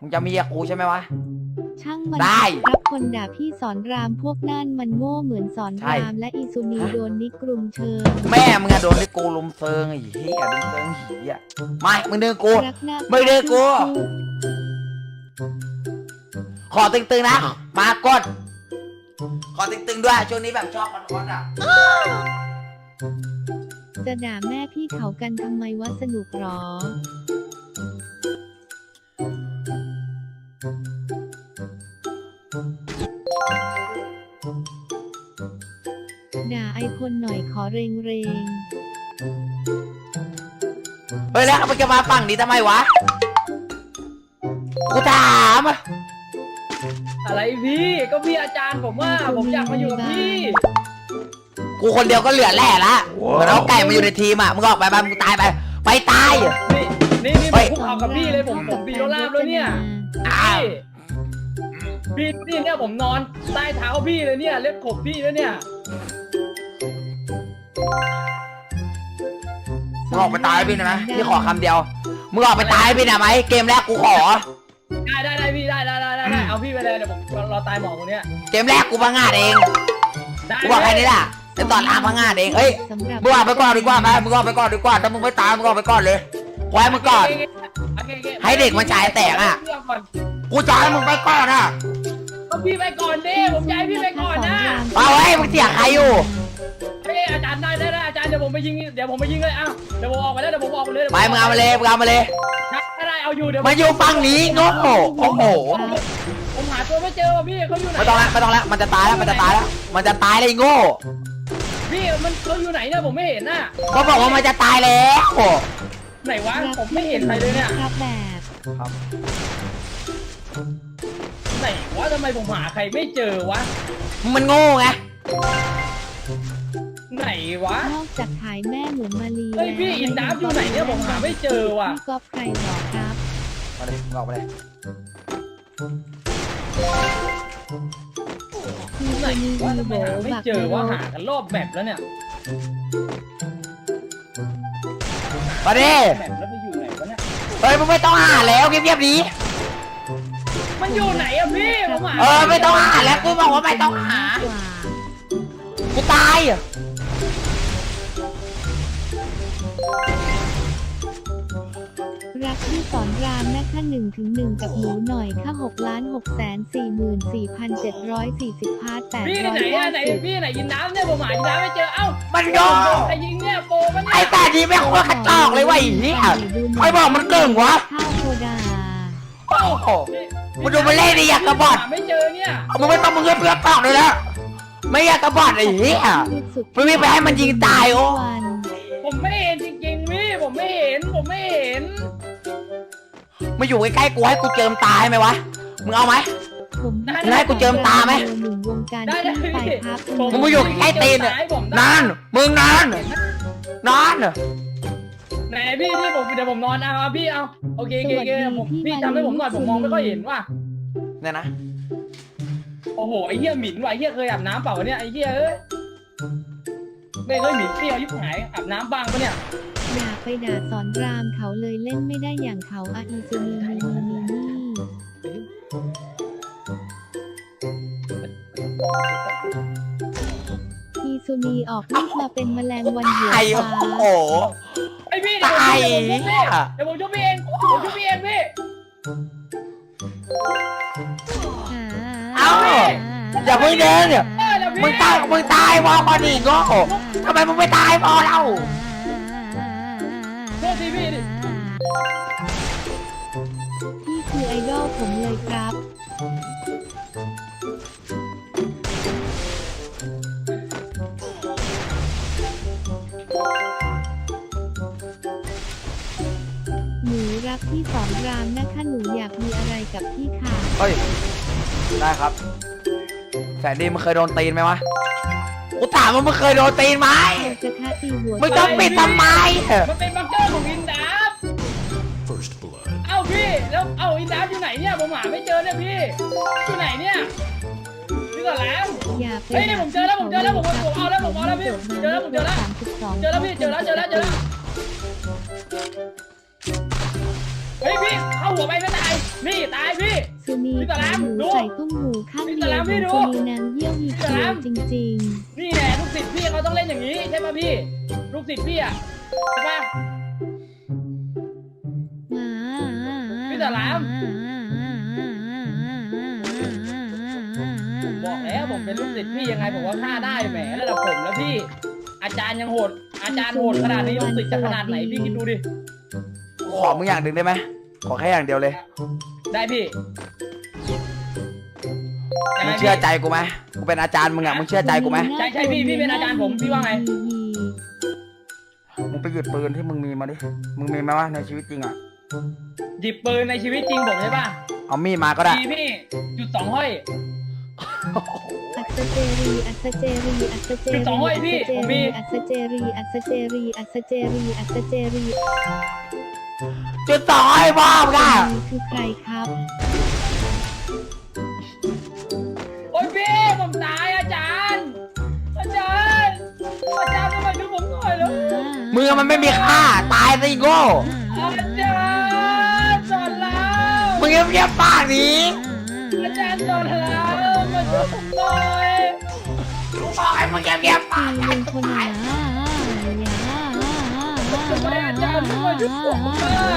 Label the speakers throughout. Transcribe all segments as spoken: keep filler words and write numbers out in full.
Speaker 1: มึงจะมีกับกูใช่ไหมวะ
Speaker 2: ช่างมัน
Speaker 1: ได้
Speaker 2: ครับคนด่าพี่สอนรามพวกนั่นมันโง่เหมือนสอนรามและอีซูนีโดนนิกรุมเชิญ
Speaker 1: แม่มึงอะโดนที่กูลุมเซิงไอ้เหี้ยลุมเซิงเหี้ยไม่มึงดึงกู
Speaker 2: รักหน้า
Speaker 1: ไม่ดึงกู ขอตึงๆนะมากดขอตึงๆด้วยช่วงนี้แบบชอบมันคอนอ่ะ
Speaker 2: จะด่าแม่พี่เขากันทำไมวะสนุกหรอด่าไอคนหน่อยขอเรงเรง
Speaker 1: เฮ้ยแล้วมันจะมาฝั่งนี้ทำไมวะกูถามอะ
Speaker 3: อะไรพี่ก็พี่อาจารย์ผมว่าผมอยากมาอยู่กับพี่
Speaker 1: กูคนเดียวก็เหลือแหล่ละเหมือนเอาไก่มาอยู่ในทีมอ่ะมึงออกไปบ้างมึงตายไปไปตาย
Speaker 3: นี่นี่นี่ผมคุกเข่ากับพี่เลยผมผมปีโรลาบแล้วเนี่ย
Speaker 1: อ้าว
Speaker 3: พี่พี่เนี่ยผมนอนใต้เท้าพี่เลยเนี่ยเล็บขบพี่แล้วเนี่ย
Speaker 1: มึงออกไปตายให้พี่นะพี่ขอคำเดียวมึงออกไปตายให้พี่นะไหมเกมแรกกูขอ
Speaker 3: ได้ได้ได้พี่ได้ได้ได้ได้เอาพี่ไปเลยเดี๋ยวผมรอตายหมอคนเนี้ย
Speaker 1: เกมแรกกูพังงาดเอง
Speaker 3: ได้
Speaker 1: กูบอกแค่นี้แหละไอ้ตอนอาพังงาดเองเฮ้ย
Speaker 2: สำหรับ
Speaker 1: มึงออกไปก่อนดีกว่าไหมมึงออกไปก่อนดีกว่าถ้ามึงไม่ตายมึงออกไปก่อนเลยไว้มึงก่อน ให้เด็กมันฉายแตกอะ กูจะให้มึงไปก่อนอ่ะ
Speaker 3: ก็พี่ไปก่อนดิผมย้ายพี่ไปก่อนนะ
Speaker 1: เอาเฮ้ยมึงเสียใครอยู่
Speaker 3: เฮ้ยอาจารย์ได้ได้ได้อาจารย์เดี๋ยวผมไปยิงเดี๋ยวผมไปยิงเลยอ้าวเดี๋ยวผมออกไปแล้วเดี๋ยวผมออกไปเลย
Speaker 1: ไปมึงเอามาเลยมึงเอามาเลย
Speaker 3: ได้ได้เอาอยู่เดี๋ยว
Speaker 1: มาอยู่ฝั่งนี้โง่โอ้โห
Speaker 3: ผมหาตัวไม่เจอว่ะพี่เขาอยู่ไหน
Speaker 1: ไม่ต้องละไม่ต้องละมันจะตายแล้วมันจะตายแล้วมันจะตายเลยไอ้โง่
Speaker 3: พี่มันเขาอยู่ไหนเนี่ยผมไม่เห็นน่ะ
Speaker 1: ก็บอกว่ามันจะตายแล้ว
Speaker 3: ไหนวะผมไม่เห็นใครเลยเนี่ย
Speaker 2: ครับแบบ
Speaker 3: ไหนวะทำไมผมหาใครไม่เจอวะ
Speaker 1: มันโง่ไง
Speaker 3: ไหนวะ
Speaker 2: นอกจากขายแม่เหมือนมาลี
Speaker 3: เฮ้ยพี่อินดับอยู่ไหนเนี่ยผมหาไม่เจอว่ะ
Speaker 2: พี่ก๊อฟใครหรอครับ
Speaker 1: มาเลยมึงออกมาเลย
Speaker 2: พี่
Speaker 3: ไหน
Speaker 2: คนนี้
Speaker 3: วะ
Speaker 2: มี
Speaker 3: ทำไม
Speaker 2: โบ
Speaker 3: หาไม่
Speaker 2: บัก
Speaker 3: เจอวะ
Speaker 2: โบ
Speaker 3: หากันรอบแมปแล้วเนี่ย
Speaker 1: มาดิ
Speaker 3: แมปแล้วไปอยู่ไหนวะเนี่ย
Speaker 1: เฮ้ยมึงไม่ต้องหาแล้วเงียบๆดี
Speaker 3: มันอยู่ไหนอะพี่ผมหา
Speaker 1: เออไม่ต้องหาแล้วกูบอกว่าไม่ต้องหา
Speaker 2: กว่า
Speaker 1: กูตายอ่ะ
Speaker 2: รักที่สอนรามนะคะหนึ่งถึงหนึ่งกับหนูหน่อยค่าหกล้านหกแสนสี่หมื่นสี่พันเจ็ดร้อยสี่สิบพาร์ทแปด
Speaker 3: พี่
Speaker 2: ร้อย
Speaker 3: ไหนอะ
Speaker 2: ห้า
Speaker 3: ไหน
Speaker 2: สิบ
Speaker 3: พี่ไหนอินดับเนี่ยผมหาอินดับไม่เจอเอ้า
Speaker 1: มันโง่
Speaker 3: ใครยิงเนี่ยโปมันเนี่ย
Speaker 1: ไอ้ตาดีไม่ควรกระจอกเลยว่ะไอ้เหี้ยใครบอกมันเก่งวะ
Speaker 2: ข้าวโพดา
Speaker 1: โอ้โหมึงดูมันเล่นดิอยากกระบอด
Speaker 3: หาไม่เจอเนี่ย
Speaker 1: มึงไม่ต้องมึงเลือกเลือกกล่องเลยแล้วไม่อยากกระบอดไอ้เหี้ย มึงไม่ไปให้มันยิงตายโอ้
Speaker 2: วัน
Speaker 3: ผมไม่เห็นจริงๆพี่ผมไม่เห็นผมไม่เห็น
Speaker 1: มาอยู่ใกล้ๆกูให้กูเจิมตายไหมวะมึงเอาไหม
Speaker 2: ผม
Speaker 1: มึงให้กูเจิมตาไหม
Speaker 2: หนึ่งวงการ
Speaker 3: ได้ได้
Speaker 2: ที่ไป
Speaker 3: พี่
Speaker 2: ครับ
Speaker 1: มึงมาอยู่ใกล้ตีนเนี่ยนานมึงนานนาน
Speaker 3: ไหนพี่พี่ผมเดี๋ยวผมนอนเอาพี่เอาโอเคโอเคโอเคผมพี่ทำให้ผมหน่อยผมมองไม่ค่อยเห็นว่ะ
Speaker 1: เนี่ยนะ
Speaker 3: โอ้โหไอ้เหี้ยหมิ่นว่ะไอ้เหี้ยเคยอาบน้ำเปล่าวะเนี่ยไอ้เหี้ยเอ้ยไม่เคยหมิ่นเปรี้ยวยิบหายอาบน้ำบ้างปะเนี่ย
Speaker 2: อย่าไปด่าสอนรามเขาเลยเล่นไม่ได้อย่างเขาอาอีซูนีมีมีมีนี่อีซูนีออกลูกมาเป็นแมลงวันหัว
Speaker 1: ไอ้
Speaker 2: ฟ้า
Speaker 1: โอ้โห
Speaker 3: ไอ้พี่เดี๋ยวผมเดี๋ยวผมช่วยพี่เองผมช่วยพี่เองพี่
Speaker 1: เอ้าอย่าเพิ่งเดินเนี่ย
Speaker 3: เออเดี๋ยวพี่
Speaker 1: มึงตายมึงตายวอก่อนดิโง่ทำไมมึงไม่ตายพอเรา
Speaker 3: โทษทีพี่ดิ
Speaker 2: พี่คือไอดอลผมเลยครับ หนูรักพี่สอนรามนะคะหนูอยากมีอะไรกับพี่ค่ะ
Speaker 1: เฮ้ยได้ครับแสนดีมึงเคยโดนตีนไหมวะกูถามว่ามึงเคยโดนตีนไหม
Speaker 2: จะฆ่าตีหัว
Speaker 1: มึงต้องปิดทำไม
Speaker 3: มันเป็นบังเกอร์ของอินดับ
Speaker 4: First blood.
Speaker 3: เอ้าพี่แล้วเอ้าอินดับอยู่ไหนเนี่ยผมหาไม่เจอเนี่ยพี่อยู่ไหนเนี่ยพี่ก่อนแล้ว
Speaker 2: อย่าไป
Speaker 3: เฮ้ยนี่ผมเจอแล้วผมเจอแล้วผมผมเอาแล้วผมเอาแล้วพี่เจอแล้วผมเจอแล้ว
Speaker 2: สามสิบสอง
Speaker 3: เจอแล้วพี่เจอแล้วเจอแล้วเจอแล้วเฮ้ยพี่เข้าหัวไปไม่ตายนี่ตายพี่
Speaker 2: สุนี
Speaker 3: พี่ตะแล
Speaker 2: ขาม หมู
Speaker 3: ดู
Speaker 2: ใส่ตุ้มหูข้าง
Speaker 3: พี่
Speaker 2: เดี
Speaker 3: ตะ
Speaker 2: ย
Speaker 3: แล
Speaker 2: ว
Speaker 3: ม
Speaker 2: ข
Speaker 3: พี่
Speaker 2: อง
Speaker 3: ดู
Speaker 2: สุนีนางเยี่ยวมี
Speaker 3: พี่ตะ
Speaker 2: เขี
Speaker 3: แล
Speaker 2: ยว
Speaker 3: ม
Speaker 2: จริง
Speaker 3: นี่แหละลูกศิษย์พี่เขาต้องเล่นอย่างนี้ใช่ป่ะพี่ลูกศิษย์พี่อ่ะใช่ป่ะ
Speaker 2: ๆอ่า
Speaker 3: พี่ตะแลม บอกแล้วผมเป็นลูกศิษย์พี่ยังไงผมว่าฆ่าได้แหมระดับผมแล้วพี่ อาจารย์ยังโหดอาจารย์โหดขนาดนี้ลูกศิษย์จะขนาดไหนพี่คิดดูดิ
Speaker 1: ขอมึงอย่างหนึ่งได้ไหมขอแค่อย่างเดียวเลย
Speaker 3: ได้พี่ยัง
Speaker 1: มึ
Speaker 3: ไง
Speaker 1: ง
Speaker 3: พี่
Speaker 1: เชื่อใจกูไหมกูเป็นอาจารย์มึงอะมึงเชื่อใจกูไหม
Speaker 3: ใช่ใช่พี่พี่เป็นอาจารย์ผมพี่ว่าไง
Speaker 1: มึงไปหยิบปืนที่มึงมีมาดิมึงมีไหมวะในชีวิตจริงอะ
Speaker 3: หยิบปืนในชีวิตจริงผมใช่ป่ะ
Speaker 1: เอามีดมาก็ได้
Speaker 3: พี่พี่จุดสองห้อย
Speaker 2: อัศเจรีอัศเจรีอัศเจรี
Speaker 3: จุดสองห้อยพี่ผมมี
Speaker 2: อัศเจรีอัศเจรีอัศเจรีอัศเจรี
Speaker 1: จุดต่อให้บ้ามึงอะ
Speaker 2: คือใครครับ
Speaker 3: โอ้ยพี่ผมตายอาจารย์ อาจารย์อาจารย์ทำไมดูผมหน่อยแล้ว
Speaker 1: มึงอะมันไม่มีค่าตายซะอีโง่
Speaker 3: อาจารย์สอนเรา
Speaker 1: มึงเงียบๆปากนี้
Speaker 3: อาจารย์สอนเรามาช่วยผมหน่อย
Speaker 1: กูบอกให้มึงเงียบๆปาก
Speaker 2: ลุงคนหนา
Speaker 3: ทำไมอาจารย์ไม่มาช่วยผมอ่ะ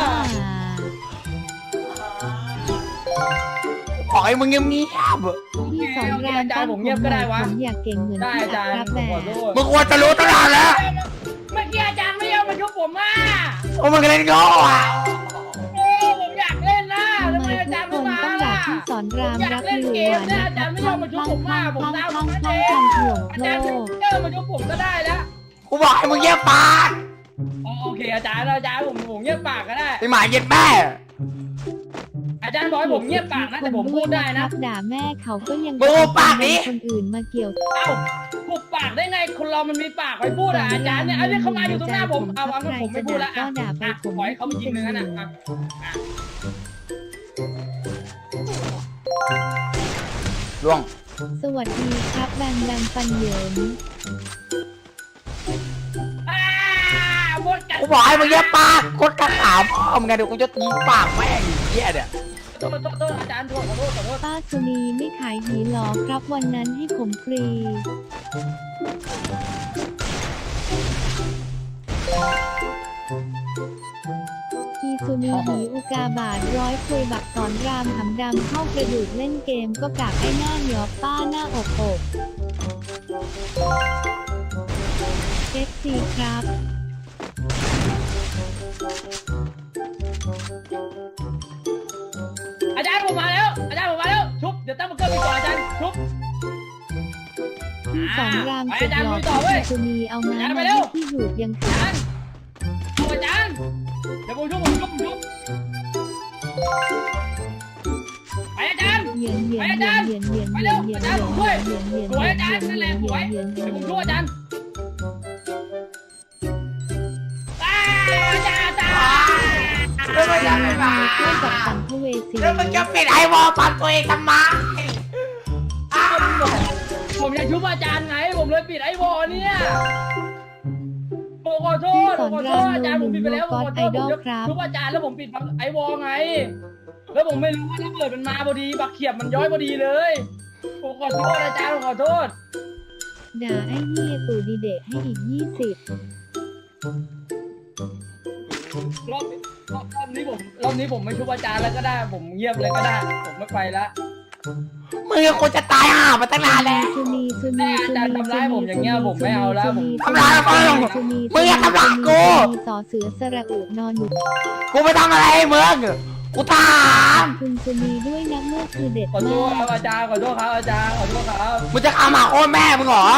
Speaker 1: บอกให้มึงเงียบ
Speaker 2: พี่สอนราม
Speaker 3: อาจารย์ผมเงียบก็ได้วะ
Speaker 2: ผมอยากเก่งเหมือน
Speaker 3: ได้
Speaker 2: พี่
Speaker 3: อาจารย์
Speaker 2: ครับ
Speaker 3: ผ
Speaker 2: แบ
Speaker 3: มขอบ โทษ
Speaker 1: ๆมึงควรจะรู้ตั้งนานแล้ว
Speaker 3: เมื่อกี้อาจารย์ไม่ยอมมาช่วยผมอ่ะ
Speaker 1: ว่ามึงเล่นโง่อะ
Speaker 3: โอ้ผมอยากเล่นนะ
Speaker 2: ทำ
Speaker 3: ทำ
Speaker 2: ไม
Speaker 3: ไมอา
Speaker 2: ทุ
Speaker 3: จาร
Speaker 2: ก
Speaker 3: ย์
Speaker 2: ค
Speaker 3: ไม่
Speaker 2: น
Speaker 3: มา
Speaker 2: ต้องอยา
Speaker 3: ล่ะ
Speaker 2: กพี่สอนราม
Speaker 3: อยาก
Speaker 2: รัก
Speaker 3: เล่น
Speaker 2: หรือ
Speaker 3: เก
Speaker 2: ห
Speaker 3: ม
Speaker 2: วาน
Speaker 3: เนี่ย
Speaker 2: นะ
Speaker 3: อา
Speaker 2: ค
Speaker 3: จา
Speaker 2: รั
Speaker 3: ร
Speaker 2: บ
Speaker 3: ย์ไม่
Speaker 2: ค
Speaker 3: ยอ
Speaker 2: ลั่
Speaker 3: ม
Speaker 2: ง
Speaker 3: มา
Speaker 2: ค
Speaker 3: ช่วย
Speaker 2: ลั่ง
Speaker 3: ผม
Speaker 2: คลั่
Speaker 3: มาง ผม
Speaker 2: คลั่ง
Speaker 3: ตาม
Speaker 2: คลั่ง
Speaker 3: มา
Speaker 2: ค
Speaker 3: เอ
Speaker 2: ลั่ง
Speaker 3: ง
Speaker 2: คลั่งถ่วง
Speaker 3: อา
Speaker 2: โล
Speaker 3: จารย์
Speaker 2: ก
Speaker 3: เจอมาช่วยผมก็ได้แล้ว
Speaker 1: กูบอกให้มึงเงียบปาก
Speaker 3: อ๋อโอเคอาจารย์อาจารย์ผมผมเงียบปากก็ได้
Speaker 1: ไอหมาเย็ดแม่
Speaker 3: อาจารย์บอกให้ผมเงียบปากนะแต่ผมพูดได้นะ
Speaker 2: ด่าแม่เขาก็ยัง
Speaker 1: มึงปากนี้
Speaker 2: คนอื่นมาเกี่ยว
Speaker 3: เอ้าหุบปากได้ไงคนเรามันมีปากไว้พูดอ่ะอาจารย์เนี่ยอันนี้เขามาอยู่ตรงหน้าผมเอาวางผมไม่พูดละ
Speaker 2: ก็
Speaker 3: อ่ะ
Speaker 2: ด่าไป
Speaker 3: อ่ะ
Speaker 2: ผม
Speaker 3: ปล่อยให้เขาไปยิงเนื้อนะอ่ะ
Speaker 1: ล่วง
Speaker 2: สวัสดีครับแบงแบงฟันเหยิน
Speaker 3: อ่าหมดกัน
Speaker 1: กูบอกให้มึงเงียบปากกดกระขาวพ่อมึงไงเดี๋ยวกูจะตีปากแม่งไอ้เหี้ยเนี่ย
Speaker 3: โทษโทษโทษอาจารย์โทษขอโทษขอโทษ
Speaker 2: ป้าสุนีไม่ขายหีหรอครับวันนั้นให้ผมฟรีอีสุนีหีอุกาบาทร้อยคุยบักสอนรามหำดำเข้ากระดูกเล่นเกมก็กากไอ้หน้าเหนียวป้าหน้าอกอกเอฟซีครับ
Speaker 3: อาจารย์ผมมาแล้วอาจารย์ผมมาแล้วชุบเดี๋ยวตั้งมันเกิดไปก่อนอาจารย์ชุบ
Speaker 2: พี่สอนราม
Speaker 3: ไป
Speaker 2: สุด
Speaker 3: อาจารย์
Speaker 2: หล่อ
Speaker 3: ลุยต่อเว้ย
Speaker 2: พี่สุนีเอามา
Speaker 3: อาจารย์ไป
Speaker 2: มา
Speaker 3: เร็ว
Speaker 2: ให้พี่หูดยัง
Speaker 3: อา
Speaker 2: ขา
Speaker 3: จารย์เอาอาจารย์เดี๋ยวผมชุบผมชุบผมชุบไปอาจารย์
Speaker 2: เหยียนเหยียน
Speaker 3: ไปอา
Speaker 2: เหยี
Speaker 3: จาย
Speaker 2: น
Speaker 3: รย์
Speaker 2: เหยียนเหยียน
Speaker 3: ไป
Speaker 2: เหยี
Speaker 3: เร็
Speaker 2: ยน
Speaker 3: ว
Speaker 2: เหยียน
Speaker 3: อาจารย์ผมช่วย
Speaker 2: เหยียนเหยียน
Speaker 3: สวยอาจารย์นั่นแหละสวย
Speaker 2: เหยียนเหยี
Speaker 3: เดี๋
Speaker 2: ย
Speaker 3: ยวน ผมช่วยอาจารย์อ่าอาจารย์อาจารย์
Speaker 1: แล้วมึงจะไม่มา
Speaker 2: เพื่อนกับสัมภเวสี
Speaker 1: แล้วมึงจะปิดไอวอลปันตัวเองทำไมอ้าว
Speaker 3: ผมอยากชุบอาจารย์ไงผมเลยปิดไอ้วอลเนี่ยผมขอโทษผมขอโทษอาจารย์ผมปิดไปแล้วผมขอโทษผมชุบอาจารย์แล้วผมปิดไอ้วอลไง แล้วผมไม่รู้ว่าถ้าเกิดมันมาพอดีบักเขียบมันย้อยพอดีเลยผมขอโทษอาจารย์ผมขอโทษ
Speaker 2: ด่าไอ้เหี้ยตู่ดีเดะให้อีกยี่สิบ
Speaker 3: รอบรอบรอบนี้ผมรอบนี้ผมไม่ชุบอาจารย์แล้วก็ได้ ผมเงียบเลยก็ได้ ผมไม่ไปละ
Speaker 1: มึงก็ควรจะตายห่ามาตั้งนานแล้ว
Speaker 2: สุนีสุนีสุนี
Speaker 3: ทำร้ายผมอย่างเงี้ยผมไม่เอาแล้วผม
Speaker 1: ทำร้ายมึงมึงอย่าทำร้ายกู
Speaker 2: สอเสือสระอุนอนอยู่
Speaker 1: กูไม่ทำอะไรให้มึงกูถาม
Speaker 2: คุณสุนีด้วยนะเมื่อคือเด็ด
Speaker 3: ขอโท
Speaker 2: มา
Speaker 3: ษครับ
Speaker 2: ก
Speaker 3: อาจารย์ขอโทษครับอาจารย์ขอโทษครับ
Speaker 1: มึงจะเอาหมาโค่นแม่มึงเหรอ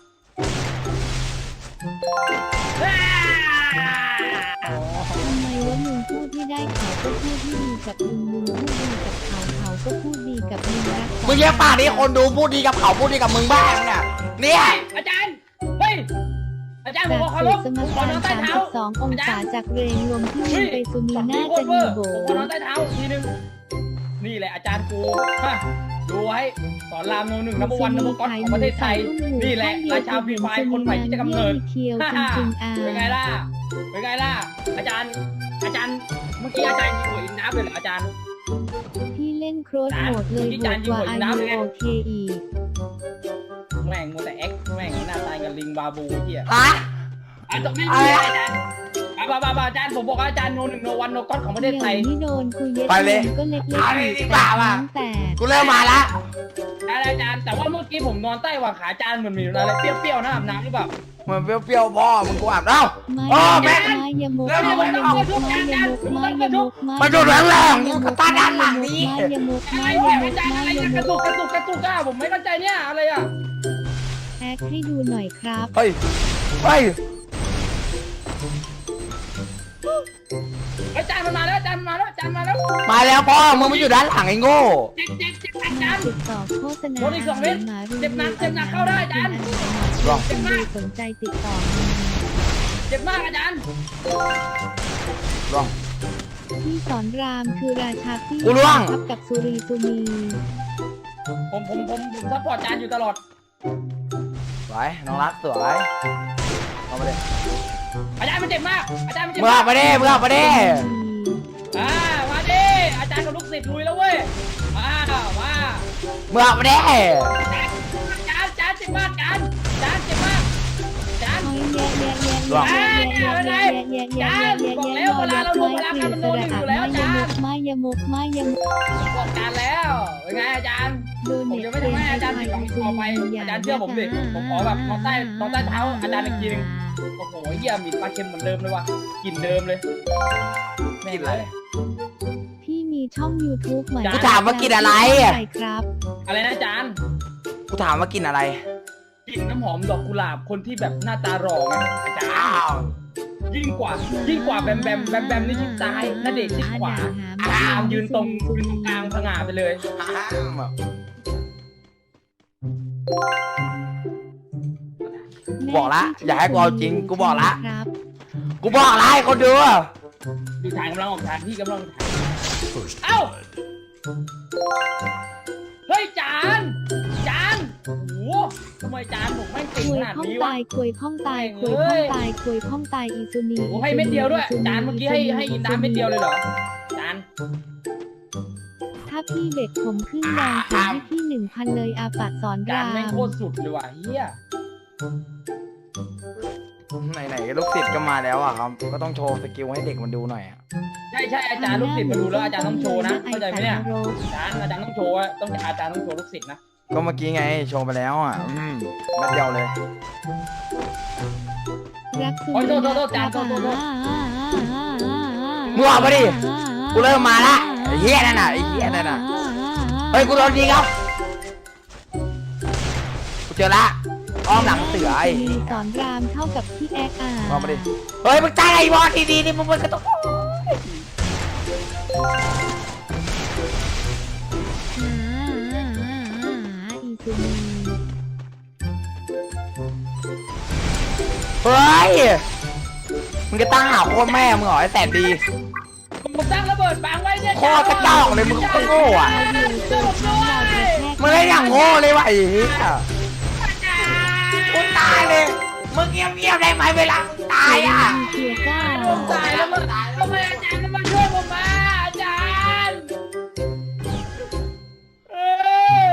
Speaker 2: ทำไมวะมึงพูดที่ได้เขาก็พูดที่ดีกับมึงมึงพูดดีกับเขาเขาก็พูดดีกับมึงรัก
Speaker 1: มึงเยี่ยปากนี้คนดูพูดดีกับเขาพูดดีกับมึงบ้างเนี่ยเนี่ย
Speaker 3: อาจารย์เฮ้ยอาจารย์ผม
Speaker 2: จาก
Speaker 3: ขอ
Speaker 2: สุ
Speaker 3: ร
Speaker 2: ด
Speaker 3: บ
Speaker 2: สม
Speaker 3: ผมขอ
Speaker 2: การ
Speaker 3: นอนใต้
Speaker 2: สาม
Speaker 3: เท้า
Speaker 2: สิบสององศาจากเรงลมที่ยิงไปสุนี
Speaker 3: ช็อต
Speaker 2: น่า
Speaker 3: นี้โค
Speaker 2: จะ
Speaker 3: ตรเว
Speaker 2: มี
Speaker 3: อร์
Speaker 2: โบ
Speaker 3: ผมขอนอนใต้เท้าทีนึงนี่แหละอาจารย์กูฮะดูไว้สอนรามโนหนึ่งนับวันนับก๊อตของประเทศไทยนี่แหละราชาฟรีไฟคนใหม่ที่จะกำเนิด
Speaker 2: เคียวจริงๆอ่ะ
Speaker 3: เป็นไงล่ะ เป็นไงล่ะ อาจารย์อาจารย์เมื่อกี้อาจารย์ยิงหัวอินดับเลยเหรออาจารย์
Speaker 2: พี่เล่นโครสโหมดเลยบวกกว่าอายุโอเคอีก
Speaker 3: แม่งมัวแต่แอคแม่งหน้าตายกับลิงบาบูเหี้ย
Speaker 1: อะ
Speaker 3: อาจารย์ไม่มีอาจารย์บ้าบ้าบ้าอาจารย์ผมบอกว่าอาจารย์โนหนึ่งโนวันโนก๊อตของประเทศไทย
Speaker 2: นี่โดนคุยเย็ดก็เล็กๆ
Speaker 1: เอาเลยดีกว่าว่ะ
Speaker 2: แต่
Speaker 1: กูเริ่มมาละ
Speaker 3: อาจารย์แต่ว่าเมื่อกี้ผมนอนใต้หว่างขาอาจารย์เหมือนมีอะไรเปรี้ยวๆนะอาบน้ำหรือเปล่า
Speaker 1: เหมือนเปรี้ยวๆพ่อมึงกูอาบเอ้า
Speaker 2: ไม่
Speaker 1: โอ้แม่
Speaker 2: ไม่ยมุกไม่ยมุกไม่ยมุกไม่ยมุกไม่ยมุก
Speaker 1: มาดูแรงๆกูกระตาด้านหลังนี้
Speaker 2: ไม่ยมุก
Speaker 3: อะไร
Speaker 2: ไม่ย
Speaker 3: เนี่ย
Speaker 2: มุ
Speaker 3: อาก จารย์
Speaker 2: ไม่
Speaker 3: อะไร
Speaker 2: ย
Speaker 3: เนี่ยก
Speaker 2: มุ
Speaker 3: ระ
Speaker 2: ก
Speaker 3: ตุกกระตุกกระตุกอ่ะผมไม่เข้าใจเนี่ยอะไรอ่ะ
Speaker 2: แอคให้ดูหน่อยครับ
Speaker 1: เฮ้ยเฮ้ย
Speaker 3: อาจารย์มันมาแล้วอาจารย์มาแล้วอาจารย์มาแล้ว
Speaker 1: มาแล้วพ่อมึงไม่อยู่ด้านหลังไอ้โง่
Speaker 3: เจ็บเจ็บเจ็บอาจารย์
Speaker 2: ติดต่อโฆษณา
Speaker 3: โดนอีกสองเม็ดเจ็บหนักเจ็บหนักเข้าได้อาจารย์
Speaker 1: ลอง
Speaker 2: เจ็บมากสนใจติดต่อมา
Speaker 3: เจ็บมากอาจารย์
Speaker 1: ลอง
Speaker 2: พี่สอนรามคือราชาพี่
Speaker 1: กูล่วง
Speaker 2: ทับกับสุรีสุนี
Speaker 3: ผมผมผมผมซัพพอร์ตอาจารย์อยู่ตลอด
Speaker 1: สวยน้องรักสวยเอามาเลย
Speaker 3: อาจารย์มันเจ็บมากอาจารย์มันเจ็บ
Speaker 1: มึง
Speaker 3: มา
Speaker 1: เอา
Speaker 3: ก
Speaker 1: มาดิมึงเอามาดิ
Speaker 3: อ่ามาดิอาจารย์กับลูกศิษย์ลุยแล้วเว้ยมามา
Speaker 1: มึงเอามาดิ
Speaker 3: อาจารย์อาจารย์เจ็บมากอาจารย์อาจารย์เจ็บมากอาจารย์
Speaker 2: โอ้ยแย่แย่แย่แย่แย่แย่แย่แย่แย่แย่ไม่ยมุกไม่ยมุก
Speaker 3: บอกอาจารย์แล้วเป็นไงอาจารย์
Speaker 2: โดน
Speaker 3: ผม
Speaker 2: เน็ต
Speaker 3: ยังไม่ทำให้อาจารย์ผิดหวังต่อไปอาจารย์เชื่อผมดิผมขอแบบนอนใต้นอนใต้เท้าอาจารย์อีกทีนึงโอ้โหเยี่ยมมีปลาเค็มเหมือนเดิมเลยว่ะกลิ่นเดิมเลยแม่งเลย
Speaker 2: พี่มีช่อง YouTube ใหม่
Speaker 1: กูถามว่ากินอะไร
Speaker 2: ใช่ครับ
Speaker 3: อะไรนะอาจารย์
Speaker 1: กูถามว่ากินอะไร
Speaker 3: กลิ่นน้ำหอมดอกกุหลาบคนที่แบบหน้าตาหล่อไงอาจาร
Speaker 1: อ้า
Speaker 3: ย์
Speaker 1: ว
Speaker 3: ยิ่งกว่ายิ่งกว่าแบมแบมแบมแบมนี่ชิดซ้ายนาเดชน์ชิดขวาอาจารย์ยืนตรงยืนตรงกลางผงาไปเลย
Speaker 1: บอกละอย่าให้กูเอาจริงกูบอกละ
Speaker 2: ครับ
Speaker 1: กูบอกละให้คนดู
Speaker 3: ดูถ่ายกำลังออกทางพี่กำลังถ่าย
Speaker 4: First
Speaker 3: Ow!
Speaker 4: blood.
Speaker 3: เฮ้ยจานจานโอ้โหทำไมจานผมไม่ง
Speaker 2: ค
Speaker 3: เก่ง
Speaker 2: วย
Speaker 3: ขนาด
Speaker 2: ข้อง
Speaker 3: นี้วะ
Speaker 2: ตายควยข้องตายควยข้องตายควยข้องตายอีซูนี
Speaker 3: โอ้ให้เม็ดเดียวด้วยจานเมื่อกี้ให้ให้อินดาเม็ดเดียวเลยเหรอจาน
Speaker 2: ถ้าพี่เด็กผมขึ้นแรงถึงให้พี่หนึ่งพันเลยอาปัดสอน
Speaker 3: จาร
Speaker 2: าน ม
Speaker 3: แม่งโคตรสุดเลยว่ะเฮีย
Speaker 1: ไหนๆลูกศิษย์ก็มาแล้วอ่ะครับก็ต้องโชว์สกิลให้เด็กมันดูหน่อยอ่ะ
Speaker 3: ใช่ใช่อาจารย์ลูกศิษย์มาดูแล้วอาจารย์ต้องโชว์นะเข้าใจไหมเนี่ยอาจารย์อาจารย์ต้องโชว์อะต้องอาจารย์ต้องโชว์ลูกศิษย์นะ
Speaker 1: ก็เมื่อกี้ไงโชว์ไปแล้วอ่ะอืมแป๊บเดียวเลย
Speaker 2: รักคือ
Speaker 3: โอ้ยโทษโทษโทษจานโทษโทษโทษ
Speaker 1: มึงออกมาดิ กูเริ่มมาละไอ้เหี้ยนั่นน่ะไอ้เหี้ยนั่นน่ะเฮ้ยกูโดนยิงครับกูเจอละอ้อมหลังเสือไอ้
Speaker 2: สอนรามเท่ากับพี่แอ๊กอ่ะ
Speaker 1: ออกมาดิเฮ้ยมึงตายไอ้บอสดีๆนี่มึงมันก็ต้อง
Speaker 2: อีซูนี
Speaker 1: เฮ้ยมึงจะตั้งหาโคตรแม่มึงเหรอไอ้แสนดี
Speaker 3: ผมตั้งระเบิดบังไว้เนี่ย
Speaker 1: โคตรกระจอกเลยมึงก็โง่อะ
Speaker 3: ช่วยผมด้วย
Speaker 1: มึงเล่นอย่างโง่เลยวะไอ้เหี้ยกูตายเลยมึงเงียบๆได้ไหมเวลามึงตายอ่ะ
Speaker 2: เกียร์ก้า
Speaker 3: ผมตายแล้วมันทำไมอาจารย์ไม่มาช่วยผมมาอาจารย์เออ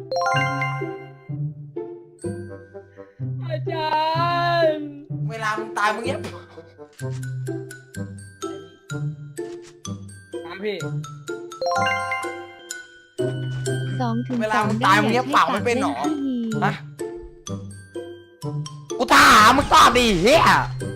Speaker 3: อาจารย์
Speaker 1: เวลามึงตายมึงเงียบ
Speaker 3: ตามพี่
Speaker 2: สองถึง
Speaker 1: เวลามึงตายมึงเงียบปากไม่เป็นหรอฮะกูถามมึงตอบดิเฮีย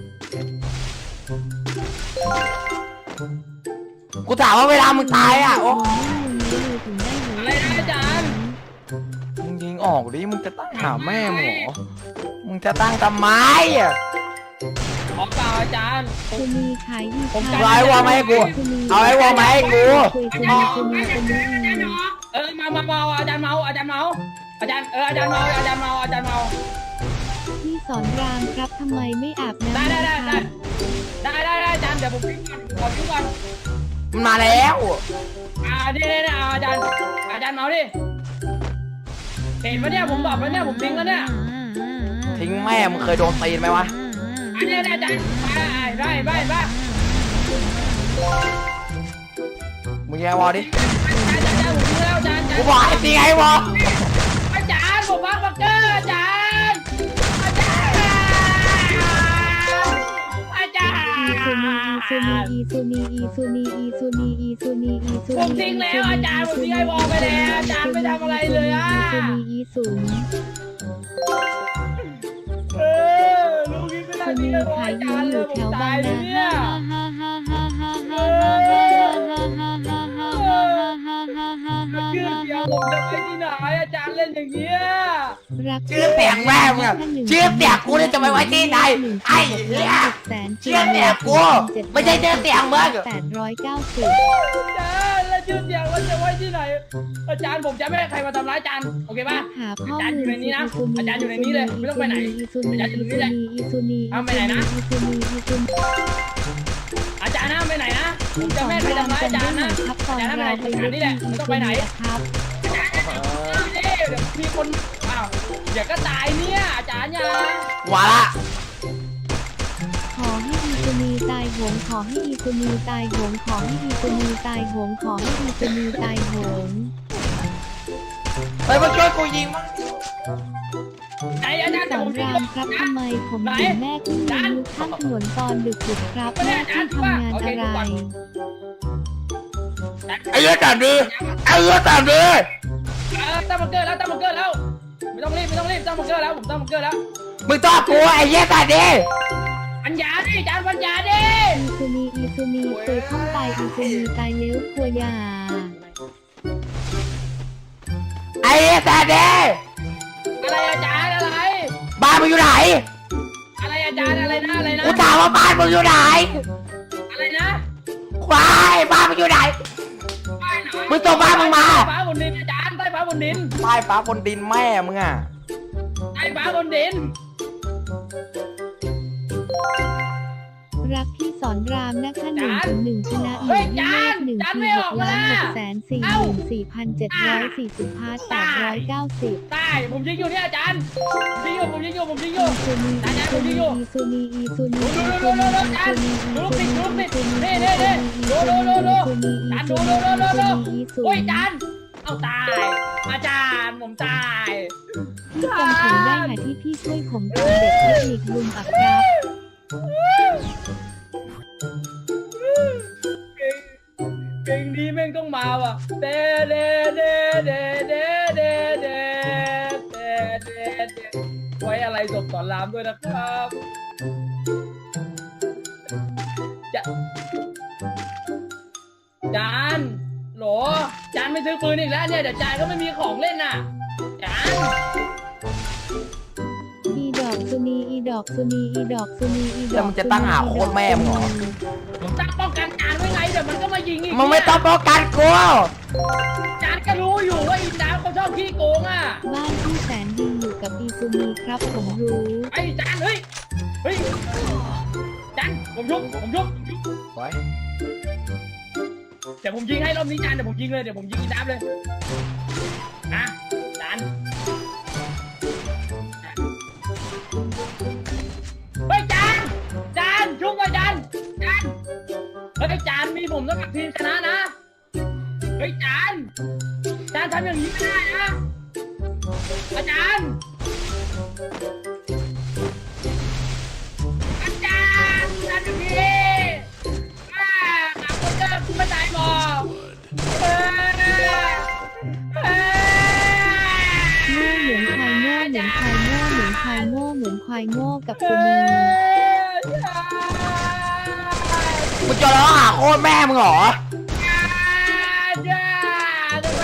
Speaker 1: กูถามว่าเวลามึงตายอ่ะโอ้
Speaker 3: อะไรนะอาจารย์
Speaker 1: มึงยิงออกดิมึงจะตั้งหาแม่มึงเหรอมึงจะตั้งทำไมอ่ะ
Speaker 3: ขอเปล่าอาจารย์
Speaker 2: ซูนีขายดี
Speaker 3: ผมจะ
Speaker 1: เอาไอ้วอลมาให้กูเอาไอ้วอลมาให้กู
Speaker 2: ซูนีซูนีซูนี
Speaker 3: เออมามาเมาอาจารย์เมาอาจารย์เมาอาจารย์เอออาจารย์เมาอาจารย์เมาอาจารย์เมา
Speaker 2: พี่สอนรามครับทำไมไม่อาบน้ำ
Speaker 3: ได้ได้ได้ได้ได้ได้ได้อาจารย์เดี๋ยวผมพิ้งก่อนขอพิ้งก่อน
Speaker 1: มันมาแล้ว
Speaker 3: อ่านี่นี่นี่อาจารย์อาจารย์เมาดิเห็นปะเนี่ยผมบอกแล้วเนี่ยผมทิ้งแล้วเนี่ย
Speaker 1: ทิ้งแม่มึงเคยโดนตีนไหมวะ
Speaker 3: อันนี้อาจารย์ไปไปไปไป
Speaker 1: มึงยิงไอ้วอลดิ
Speaker 3: อาจารย์อาจารย์ผมยิงแล้วอาจารย์
Speaker 1: กูบอกให้ตีไอ้วอล
Speaker 3: อาจารย์ผมบักบักเกอร์อาจารย์อาจารย์อาจารย์
Speaker 2: อีซูนีอีซูนีอีซูนีอีซูนีอีซูนีอีซูนี
Speaker 3: ผมทิ้งแล้วอาจารย์ผมทิ้งไอ้วอลไปแล้วอาจารย์ไม่ทำอะไรเลยอ่ะ
Speaker 2: อีซูนีอีซูนี
Speaker 3: เออลูกนี้ไม่ได้
Speaker 2: ซู
Speaker 3: ทิ้
Speaker 2: นี
Speaker 3: งไอ้วอล
Speaker 2: ขาย
Speaker 3: อา
Speaker 2: ยื
Speaker 3: จาร
Speaker 2: น
Speaker 3: ย์
Speaker 2: อ
Speaker 3: เล
Speaker 2: ยู่
Speaker 3: ยผ
Speaker 2: แถ
Speaker 3: ม
Speaker 2: ว
Speaker 3: ตา
Speaker 2: บาย ง
Speaker 3: เลย
Speaker 2: นา
Speaker 3: เนี่ย
Speaker 2: ฮ่าฮ่าฮ่าฮ่าฮ่าฮ่าฮ่าฮ่าฮ่าฮ่าฮ่าฮ่าฮ่าฮ่าฮ่า
Speaker 3: ชื่อเสียงผมจะไปที่ไหนอาจารย์เล่นอย่างเงี้ย
Speaker 2: รัก
Speaker 1: ชื่อเสียงแม่มึงอะชื่อเสียงกูเนี่ยจะไปไว้ที่ไหนไอ้เหี้ยชื่อเสียงกูไม่ใช่ชื่อเสียงมึง
Speaker 2: แปดร้อยเก้าสิบ
Speaker 3: อาจารย์แล้วชื่อเสียงเราจะไว้ที่ไหนอาจารย์ผมจะไม่ให้ใครมาทำร้ายอาจารย์โอเคป่ะ
Speaker 2: หาข้อ
Speaker 3: อาจารย์อยู่
Speaker 2: มูล
Speaker 3: ในนี้นะอาจารย์อยู่ในนี้เลยไม่ต้องไปไหน
Speaker 2: อีซูนีอีซูนีอีซูนี
Speaker 3: เอาไปไหนนะ
Speaker 2: อีซูนีอีซูนี
Speaker 3: อาจารย์นะไปไหนนะผมจะไม่ให้ใครทำร้ายอาจารย์นะ
Speaker 2: ครับต
Speaker 3: อา
Speaker 2: อน
Speaker 3: จารย์ทำไหน
Speaker 2: เราไป
Speaker 3: สถานนี่แหละไม่ต้องไปไหน
Speaker 2: ครับ
Speaker 3: อาจารย์เดี๋ยวมีคนอ้าวเดี๋ยวก็ตายเนี่ยอาจารย์อย่า
Speaker 1: ว่าละ
Speaker 2: ขอให้อีซูนีตายโหงขอให้อีซูนีตายโหงขอให้อีซูนีตายโหงขอให้อีซูนีตายโหง
Speaker 1: ไปมาช่วยกูยิงมั้ง
Speaker 3: ไหนอาจารย์
Speaker 2: ส
Speaker 3: เดี๋ยว
Speaker 2: อ
Speaker 3: ผ
Speaker 2: น
Speaker 3: มทิ้ง
Speaker 2: รามครับทำไมผมถึงแม่ขึ้นมาลุกข้ามถนนตอนดึกดึกครับแม่ที่ทำงานอะไร
Speaker 1: ไอ้เหี้ยตามดิไอ้เหี้ยตามดิ
Speaker 3: เออตั้งบังเกอร์แล้วตั้งบังเกอร์แล้วไม่ต้องรีบไม่ต้องรีบตั้งบังเกอร์แล้วผมตั้งบังเกอร์แล้ว
Speaker 1: มึงต้องกูไอ้เหี้ยตามดิ
Speaker 3: ปัญญาดิอาจารย์ปัญญาดิ
Speaker 2: อีซูนีอีซูนีเคยข้องตายอีซูนีตายเลี้ยวครัวยา
Speaker 1: ไอ้เหี้ยตามดิ
Speaker 3: อะไรอาจารย์อะไร
Speaker 1: บ้านมึงอยู่ไหน
Speaker 3: อะไรอาจารย์อะไรนะอะไรนะ
Speaker 1: กูถามว่าบ้านมึงอยู่ไหน
Speaker 3: อะไรนะ
Speaker 1: ควายบ้านมึงอยู่ไหน มึงส่งบ้านมึงมา
Speaker 3: ใต้ฟ้าบนดินอาจารย์ใต้ฟ้าบนดิน
Speaker 1: ใต้ฟ้าบนดินแม่มึงอ่ะ
Speaker 3: ใต้ฟ้าบนดิน
Speaker 2: รักพี่สอนรามนะคะหนึ่งถึงหนึ่งชนะหนึ่งที่เลขหนึ่งที่หกล้านหกแสนสี่หมื่นสี่พันเจ็ดร้อยสี่สิบพาร์ทแปดร้อยเก้าสิบ
Speaker 3: ใต้ผมยิงอยู่เนี่ยอาจารย์ผมยิงอยู่ผมยิงอยู่ผมยิงอยู่
Speaker 2: อีซูนีอีซูนีอีซูนีอีซูนีอีซูนีอีซูนีอีซูนีอีซูนีอีซูนีอีซูนีอีซูนีอีซูนีอีซู
Speaker 3: โอ้ย
Speaker 2: นี
Speaker 3: อาจารย์เอาตายอาจารย์ผมตาย
Speaker 2: พี่จำผมได้ค่ะที่พี่ช่วยผมตอนเด็กเทคนิคลุงอับครับ
Speaker 3: เพลงนี้แม่งต้องมาว่ะเดเดเดเดเดเดเดเดเดเดไว้อะไรศพสอนรามด้วยนะครับจะจานโหลจานไม่ซื้อปืนอีกแล้วเนี่ยเดี๋ยวจานก็ไม่มีของเล่นน่ะจาน
Speaker 2: อีดอกซุนีอีดอกซุนีอีดอกซุนีอีดอก
Speaker 1: แล้วมึงจะตั้งหาโคตรแม่มึงเหรอ
Speaker 3: ผมตั้งป้องกันจานไว้ไงเดี๋ยวมันก็มายิงอีก
Speaker 1: มึงไม่ต้องป้องกันกู
Speaker 3: จานก็รู้อยู่ว่าอีจานเขาชอบขี้โกงอ่ะ
Speaker 2: บ้านที่แสนดีอยู่กับอีซูนีครับผมรู้
Speaker 3: ไอ้จานเฮ้ยเฮ้ยจานผมยุบผมยุบผมยุบ
Speaker 1: ไว้
Speaker 3: เดี๋ยวผมยิงให้รอบนี้จานเดี๋ยวผมยิงเลยเดี๋ยวผมยิงอีจานเลยอ่ะจานเฮ้ยจานจานชุบไปจานจานเฮ้ยจานมีผมต้องกับทีมชนะนะเฮ้ยจานจานทำอย่างนี้ไม่ได้นะอาจารย์อาจารย์ทำอย่างนี้อ่าหนักคนเดิมคุณไม่ตายหรอกเออเออ
Speaker 2: โง่เหมือนควายโง่เหมือนควายโง่เหมือนควายโง่เหมือนควายโง่กับ
Speaker 3: เอ
Speaker 2: ซูนี
Speaker 3: อ
Speaker 1: มึงจะร้องหาโคตรแม่มึงเหรอ
Speaker 3: จ้าทำไม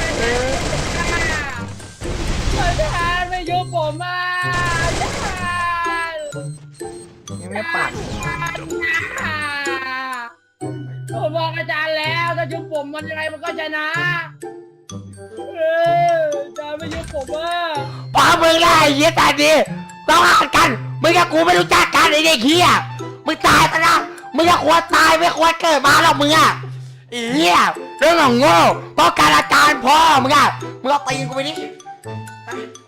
Speaker 3: จ้าจ้าไม่ยุบผมอ่ะจ้า
Speaker 1: ยังไม่ปาก
Speaker 3: ผมบอกอาจารย์แล้วถ้ายุบผมมันยังไงมันก็ชนะเอออาจารย์ไม่ยุบผมอ่ะ
Speaker 1: ป้ามึงได้ไอ้เหี้ยตายดิต้องหากันมึงกับกูไม่รู้จักกันไอ้เด็กเหี้ยมึงตายไปนะมึงจะควรตายไม่ควรเกิดมาหรอกมึงอ่ะไอ้เหี้ยเรื่องของโง่เพราะการอาจารย์พ่อมึงอ่ะมึงเอาตีนกูไปดิ